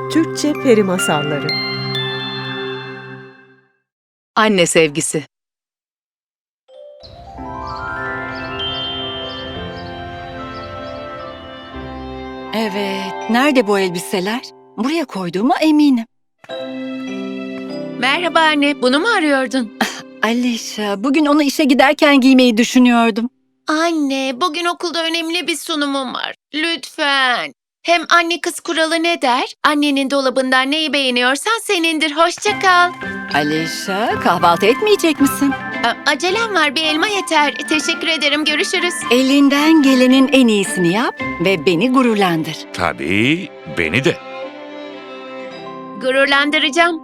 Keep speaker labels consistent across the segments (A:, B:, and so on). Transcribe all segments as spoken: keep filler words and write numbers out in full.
A: Türkçe Peri Masalları.
B: Anne sevgisi.
C: Evet, nerede bu elbiseler? Buraya koyduğuma eminim.
B: Merhaba anne, bunu mu arıyordun?
C: Alişa, bugün onu işe giderken giymeyi düşünüyordum.
B: Anne, bugün okulda önemli bir sunumum var. Lütfen. Hem anne kız kuralı ne der? Annenin dolabından neyi beğeniyorsan senindir. Hoşça kal.
C: Alişa, kahvaltı etmeyecek misin?
B: A- Acelem var, bir elma yeter. Teşekkür ederim, görüşürüz.
C: Elinden gelenin en iyisini yap ve beni gururlandır.
D: Tabii, beni de.
B: Gururlandıracağım.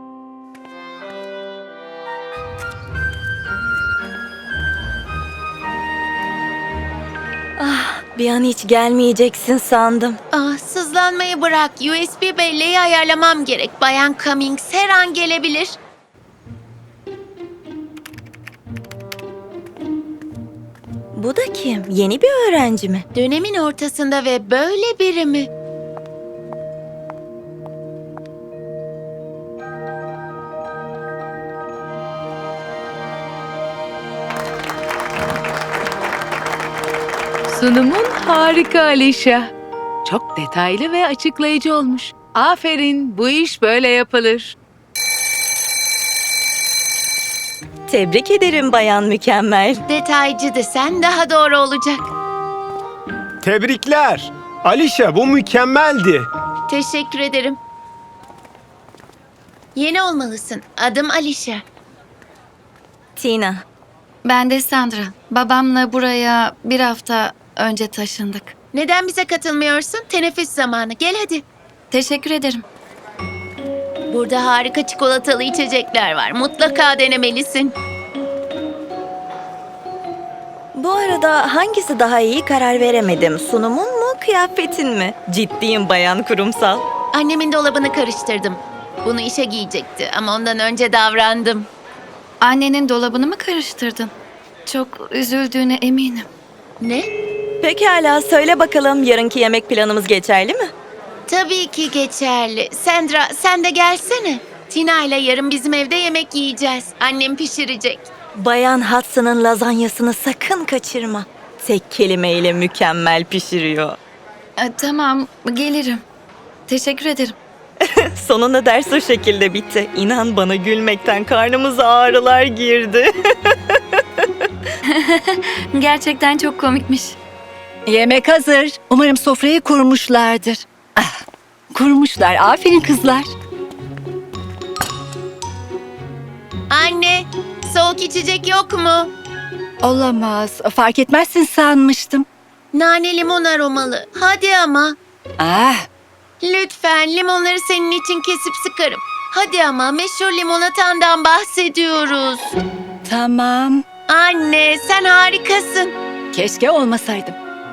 E: Ah, bir an hiç gelmeyeceksin sandım.
B: Ah, sızlanmayı bırak. U S B belleği ayarlamam gerek. Bayan Cummings her an gelebilir.
E: Bu da kim? Yeni bir öğrenci mi?
B: Dönemin ortasında ve böyle biri mi? Sunumun harika Alişa. Çok detaylı ve açıklayıcı olmuş. Aferin, bu iş böyle yapılır.
E: Tebrik ederim Bayan Mükemmel.
B: Detaycı desen daha doğru olacak.
F: Tebrikler. Alişa, bu mükemmeldi.
B: Teşekkür ederim. Yeni olmalısın. Adım Alişa.
E: Tina,
G: Ben de Sandra. Babamla buraya bir hafta önce taşındık.
B: Neden bize katılmıyorsun? Teneffüs zamanı. Gel hadi.
G: Teşekkür ederim.
B: Burada harika çikolatalı içecekler var. Mutlaka denemelisin.
E: bu arada hangisi daha iyi karar veremedim. Sunumun mu, kıyafetin mi? Ciddiyim Bayan Kurumsal.
B: Annemin dolabını karıştırdım. Bunu işe giyecekti ama ondan önce davrandım.
G: Annenin dolabını mı karıştırdın? Çok üzüldüğüne eminim.
B: Ne?
E: Pekala, söyle bakalım yarınki yemek planımız geçerli mi?
B: Tabii ki geçerli. Sandra, sen de gelsene. Tina ile yarın bizim evde yemek yiyeceğiz. Annem pişirecek.
E: Bayan Hudson'ın lazanyasını sakın kaçırma. Tek kelimeyle mükemmel pişiriyor.
G: E, tamam, gelirim. Teşekkür ederim.
E: Sonunda ders o şekilde bitti. İnan bana, gülmekten karnımıza ağrılar girdi.
G: Gerçekten çok komikmiş.
C: Yemek hazır. Umarım sofrayı kurmuşlardır. Ah, kurmuşlar. Aferin kızlar.
B: Anne, soğuk içecek yok mu?
C: Olamaz. Fark etmezsin sanmıştım.
B: Nane limon aromalı. Hadi ama.
C: Ah,
B: Lütfen limonları senin için kesip sıkarım. Hadi ama, meşhur limonatandan bahsediyoruz.
C: tamam.
B: Anne, sen harikasın.
C: Keşke olmasaydım.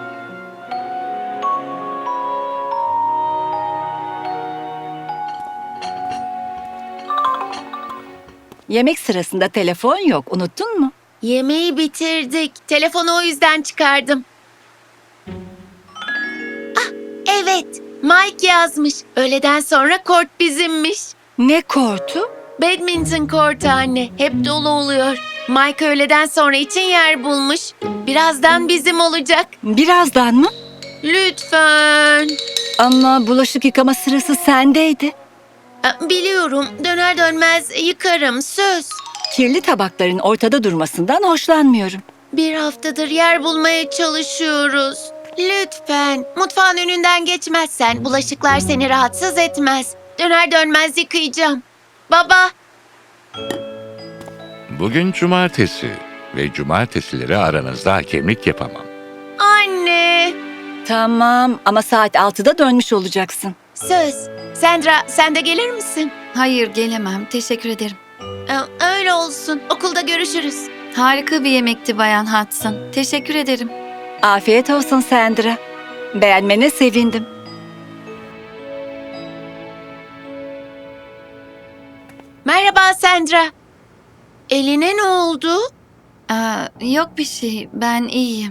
C: Yemek sırasında telefon yok. Unuttun mu?
B: Yemeği bitirdik. Telefonu o yüzden çıkardım. Ah, evet. Mike yazmış. Öğleden sonra kort bizimmiş.
C: Ne kortu?
B: Badminton kortu anne. Hep dolu oluyor. Mike öğleden sonra için yer bulmuş. Birazdan bizim olacak.
C: Birazdan mı?
B: Lütfen.
C: Ama bulaşık yıkama sırası sendeydi.
B: Ah, biliyorum. Döner dönmez yıkarım. Söz.
C: Kirli tabakların ortada durmasından hoşlanmıyorum.
B: Bir haftadır yer bulmaya çalışıyoruz. Lütfen. Mutfağın önünden geçmezsen bulaşıklar seni rahatsız etmez. Döner dönmez yıkayacağım. Baba.
D: Bugün cumartesi ve cumartesileri aranızda hakemlik yapamam.
B: Anne.
C: Tamam ama saat altıda dönmüş olacaksın.
B: Söz. Sandra, sen de gelir misin?
G: Hayır, gelemem. Teşekkür ederim.
B: Ee, Öyle olsun. Okulda görüşürüz.
G: Harika bir yemekti Bayan Hudson. Teşekkür ederim.
C: Afiyet olsun Sandra. Beğenmene sevindim.
B: Merhaba Sandra. Eline ne oldu?
G: Aa, yok bir şey. Ben iyiyim.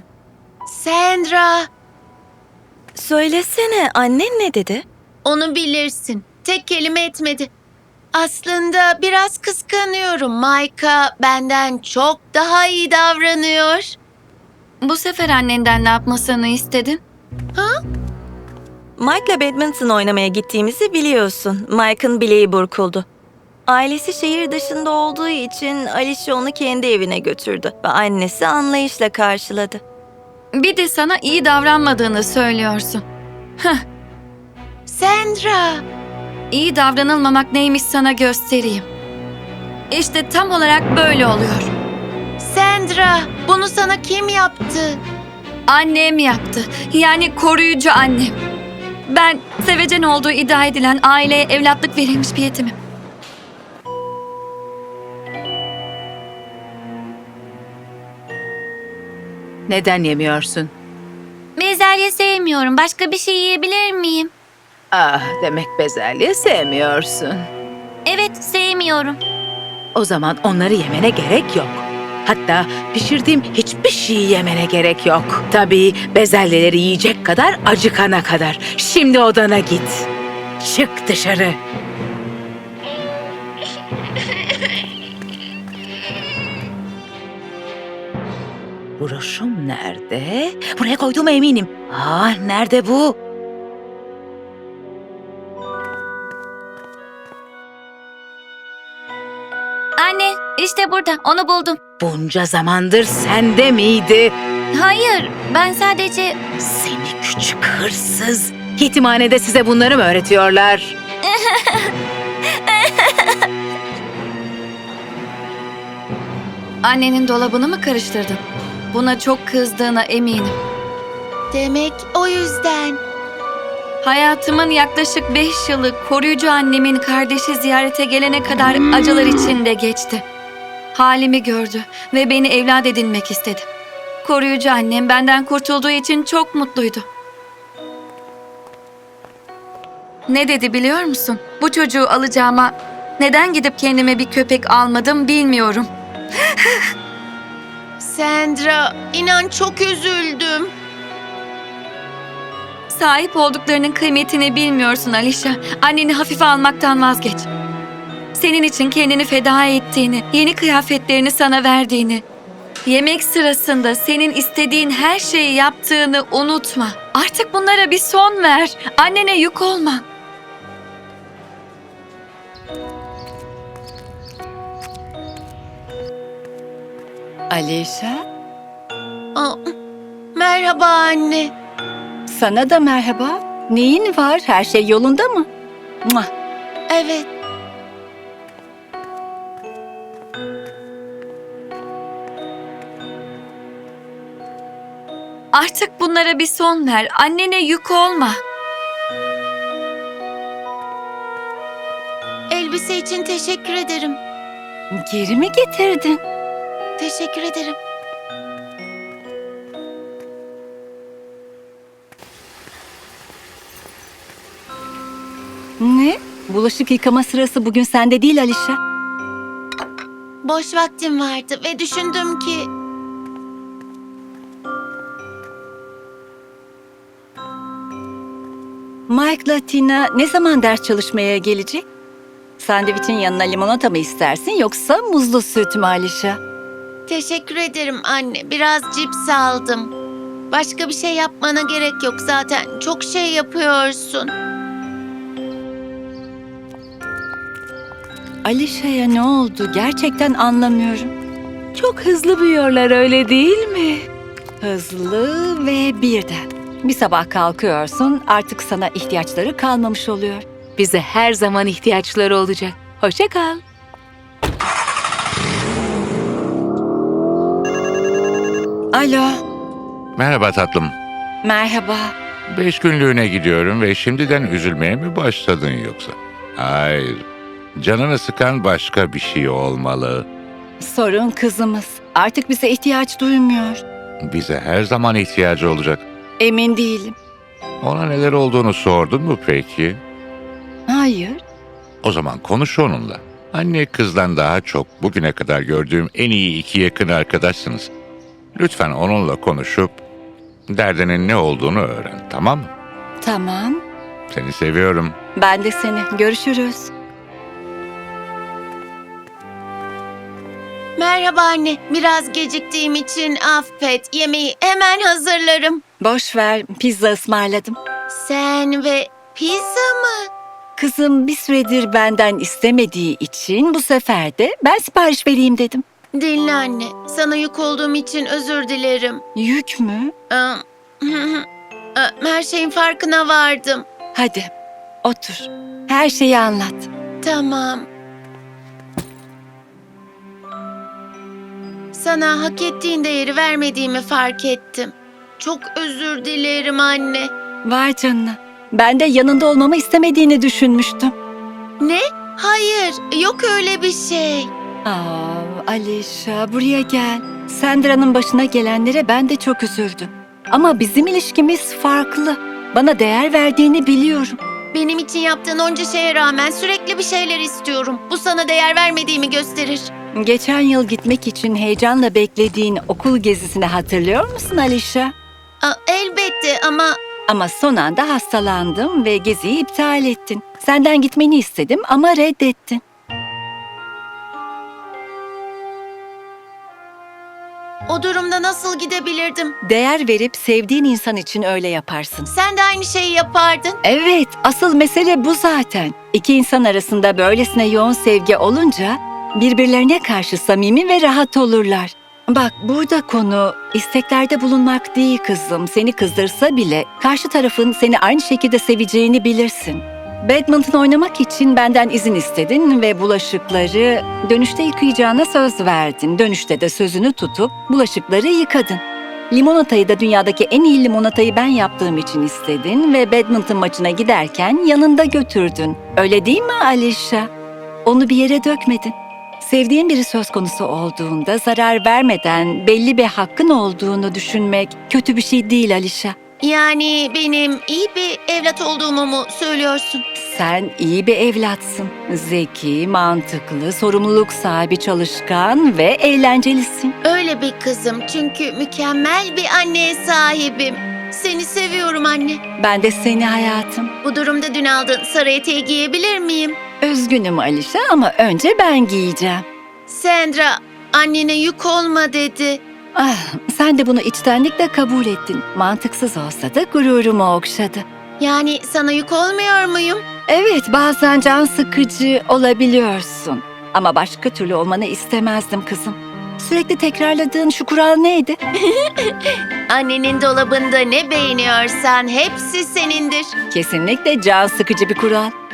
B: Sandra.
E: Söylesene, annen ne dedi?
B: Onu bilirsin. tek kelime etmedi. Aslında biraz kıskanıyorum. Micah benden çok daha iyi davranıyor.
G: Bu sefer annenden ne yapmasını istedin?
E: Mike'la badminton oynamaya gittiğimizi biliyorsun. Mike'ın bileği burkuldu. Ailesi şehir dışında olduğu için Alicia onu kendi evine götürdü ve annesi anlayışla karşıladı.
G: Bir de sana iyi davranmadığını söylüyorsun.
B: Sandra,
G: İyi davranılmamak neymiş sana göstereyim. İşte tam olarak böyle oluyor.
B: Sandra, bunu sana kim yaptı?
G: Annem yaptı. Yani koruyucu annem. Ben sevecen olduğu iddia edilen aileye evlatlık verilmiş bir yetimim.
H: Neden yemiyorsun?
B: Bezelye sevmiyorum. Başka bir şey yiyebilir miyim?
H: Ah, demek bezelye sevmiyorsun.
B: Evet, sevmiyorum.
H: O zaman onları yemene gerek yok. Hatta pişirdiğim hiçbir şeyi yemene gerek yok. Tabii bezelyeleri yiyecek kadar acıkana kadar. Şimdi odana git. Çık dışarı. Broşum nerede? Buraya koyduğuma eminim. Ah, nerede bu?
B: Anne, işte burada. Onu buldum.
H: Bunca zamandır sende miydi?
B: Hayır, ben sadece...
H: Seni küçük hırsız. Yetimhanede size bunları mı öğretiyorlar?
G: Annenin dolabını mı karıştırdın? Buna çok kızdığına eminim.
B: Demek o yüzden.
G: Hayatımın yaklaşık beş yılı koruyucu annemin kardeşi ziyarete gelene kadar acılar içinde geçti. Halimi gördü ve beni evlat edinmek istedi. Koruyucu annem benden kurtulduğu için çok mutluydu. Ne dedi biliyor musun? Bu çocuğu alacağıma neden gidip kendime bir köpek almadım bilmiyorum.
B: Sandra, inan çok üzüldüm.
G: Sahip olduklarının kıymetini bilmiyorsun Alicia. Anneni hafife almaktan vazgeç. Senin için kendini feda ettiğini, yeni kıyafetlerini sana verdiğini, yemek sırasında senin istediğin her şeyi yaptığını unutma. Artık bunlara bir son ver. Annene yük olma.
C: Alicia,
B: Aa, merhaba anne.
C: sana da merhaba. Neyin var? Her şey yolunda mı? Muah.
B: Evet.
G: Artık bunlara bir son ver. Annene yük olma.
B: Elbise için teşekkür ederim.
C: Geri mi getirdin?
B: Teşekkür ederim.
C: Ne? Bulaşık yıkama sırası bugün sende değil Alicia.
B: Boş vaktim vardı ve düşündüm ki...
C: Mike'la Tina ne zaman ders çalışmaya gelecek? Sandviçin yanına limonata mı istersin yoksa muzlu süt mü Alicia?
B: Teşekkür ederim anne. Biraz cips aldım. Başka bir şey yapmana gerek yok zaten. Çok şey yapıyorsun.
C: Alicia'ya ne oldu? Gerçekten anlamıyorum.
H: Çok hızlı büyüyorlar, öyle değil mi?
C: Hızlı ve birden. Bir sabah kalkıyorsun, artık sana ihtiyaçları kalmamış oluyor.
H: Bize her zaman ihtiyaçları olacak. Hoşça kal.
C: Alo,
D: Merhaba tatlım.
C: merhaba.
D: Beş günlüğüne gidiyorum ve şimdiden üzülmeye mi başladın yoksa? Hayır. Canını sıkan başka bir şey olmalı.
C: Sorun kızımız. Artık bize ihtiyaç duymuyor.
D: Bize her zaman ihtiyacı olacak.
C: Emin değilim.
D: Ona neler olduğunu sordun mu peki?
C: Hayır.
D: O zaman konuş onunla. Anne kızdan daha çok bugüne kadar gördüğüm en iyi iki yakın arkadaşsınız. Lütfen onunla konuşup derdinin ne olduğunu öğren, tamam mı?
C: Tamam.
D: Seni seviyorum.
C: Ben de seni. Görüşürüz.
B: Merhaba anne. Biraz geciktiğim için affet. Yemeği hemen hazırlarım.
C: Boş ver, pizza ısmarladım.
B: Sen ve pizza mı?
C: Kızım bir süredir benden istemediği için bu sefer de ben sipariş vereyim dedim.
B: Dinle anne. Sana yük olduğum için özür dilerim.
C: Yük mü?
B: Aa, Aa, Her şeyin farkına vardım.
C: Hadi otur. Her şeyi anlat.
B: Tamam. Sana hak ettiğin değeri vermediğimi fark ettim. Çok özür dilerim anne.
C: Vay canına. Ben de yanında olmamı istemediğini düşünmüştüm.
B: Ne? Hayır, yok öyle bir şey.
C: Aa, Alişa buraya gel. Sandra'nın başına gelenlere ben de çok üzüldüm. Ama bizim ilişkimiz farklı. Bana değer verdiğini biliyorum.
B: Benim için yaptığın onca şeye rağmen sürekli bir şeyler istiyorum. Bu sana değer vermediğimi gösterir.
C: Geçen yıl gitmek için heyecanla beklediğin okul gezisini hatırlıyor musun Alişa?
B: Aa, elbette ama
C: Ama son anda hastalandım ve geziyi iptal ettin. Senden gitmeni istedim ama reddettin.
B: o durumda nasıl gidebilirdim?
C: Değer verip sevdiğin insan için öyle yaparsın.
B: Sen de aynı şeyi yapardın.
C: Evet, asıl mesele bu zaten. İki insan arasında böylesine yoğun sevgi olunca birbirlerine karşı samimi ve rahat olurlar. Bak burada konu isteklerde bulunmak değil kızım. Seni kızdırsa bile karşı tarafın seni aynı şekilde seveceğini bilirsin. Badminton oynamak için benden izin istedin ve bulaşıkları dönüşte yıkayacağına söz verdin. Dönüşte de sözünü tutup bulaşıkları yıkadın. Limonatayı da dünyadaki en iyi limonatayı ben yaptığım için istedin ve badminton maçına giderken yanında götürdün. Öyle değil mi Alişa? Onu bir yere dökmedin. Sevdiğin biri söz konusu olduğunda zarar vermeden belli bir hakkın olduğunu düşünmek kötü bir şey değil Alişa.
B: Yani benim iyi bir evlat olduğumu mu söylüyorsun?
C: Sen iyi bir evlatsın. Zeki, mantıklı, sorumluluk sahibi, çalışkan ve eğlencelisin.
B: Öyle bir kızım çünkü mükemmel bir anneye sahibim. Seni seviyorum anne.
C: Ben de seni hayatım.
B: Bu durumda dün aldığın sarı eteği giyebilir miyim?
C: Üzgünüm Alişa ama önce ben giyeceğim.
B: Sandra, annene yük olma dedi.
C: Ah, sen de bunu içtenlikle kabul ettin. Mantıksız olsa da gururumu okşadı.
B: Yani sana yük olmuyor muyum?
C: Evet, bazen can sıkıcı olabiliyorsun. Ama başka türlü olmanı istemezdim kızım. Sürekli tekrarladığın şu kural neydi?
B: Annenin dolabında ne beğeniyorsan hepsi senindir.
C: Kesinlikle can sıkıcı bir kural.